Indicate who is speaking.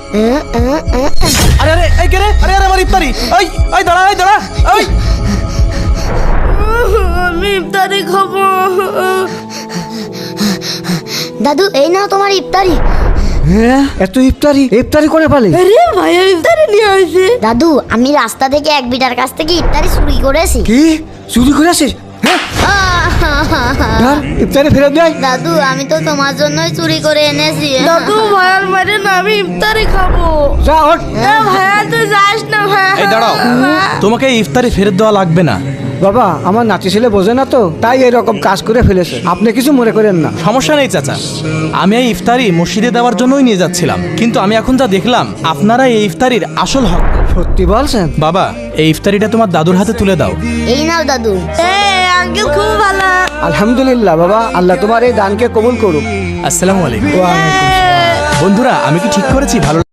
Speaker 1: আরে আরে এই কে রে? আরে আরে আমার ইফতারি। এই এই দাঁড়া, এই দাঁড়া, এই
Speaker 2: আমি ইফতারি খাবো।
Speaker 3: দাদু এই নাও তোমার ইফতারি।
Speaker 4: হ্যাঁ, এত ইফতারি করে পালে?
Speaker 2: আরে ভাইয়া ইফতারি নিয়ে আসে।
Speaker 3: দাদু আমি রাস্তা থেকে এক বিটার কাছ থেকে ইফতারি চুরি করেছি।
Speaker 4: কি চুরি করে আসিস? হ্যাঁ, ধর, ইফতারি ফেরত দেয়।
Speaker 3: দাদু আমি তো তোমার জন্যই চুরি করে এনেছি।
Speaker 2: দাদু ভাইয়ার মারে না, আমি ইফতারি খাবো।
Speaker 4: যা ওঠ।
Speaker 2: ভাইয়া তুই যাস না ভাইয়া।
Speaker 1: এই দাঁড়াও, তোমাকে এই ইফতারি ফেরত দেওয়া লাগবে না।
Speaker 4: বাবা, আমার নাতি ছেলে বোঝে না তো, তাই এরকম কাজ করে ফেলেছে। আপনি কিছু মনে করেন না।
Speaker 1: সমস্যা নেই চাচা, আমি এই ইফতারি মসজিদে দেওয়ার জন্যই নিয়ে যাচ্ছিলাম, কিন্তু আমি এখন যা দেখলাম আপনারা এই ইফতারির আসল হক।
Speaker 4: সত্যি বলছেন?
Speaker 1: বাবা, এই ইফতারিটা তোমার দাদুর হাতে তুলে দাও।
Speaker 3: এই নাও দাদু।
Speaker 2: আঙ্কেল খুব ভালো।
Speaker 4: আলহামদুলিল্লাহ বাবা, আল্লাহ তোমার এই দানকে কবুল করুক।
Speaker 1: আসসালামু আলাইকুম।
Speaker 4: ওয়া আলাইকুম।
Speaker 1: বন্ধুরা, আমি কি ঠিক করেছি? ভালো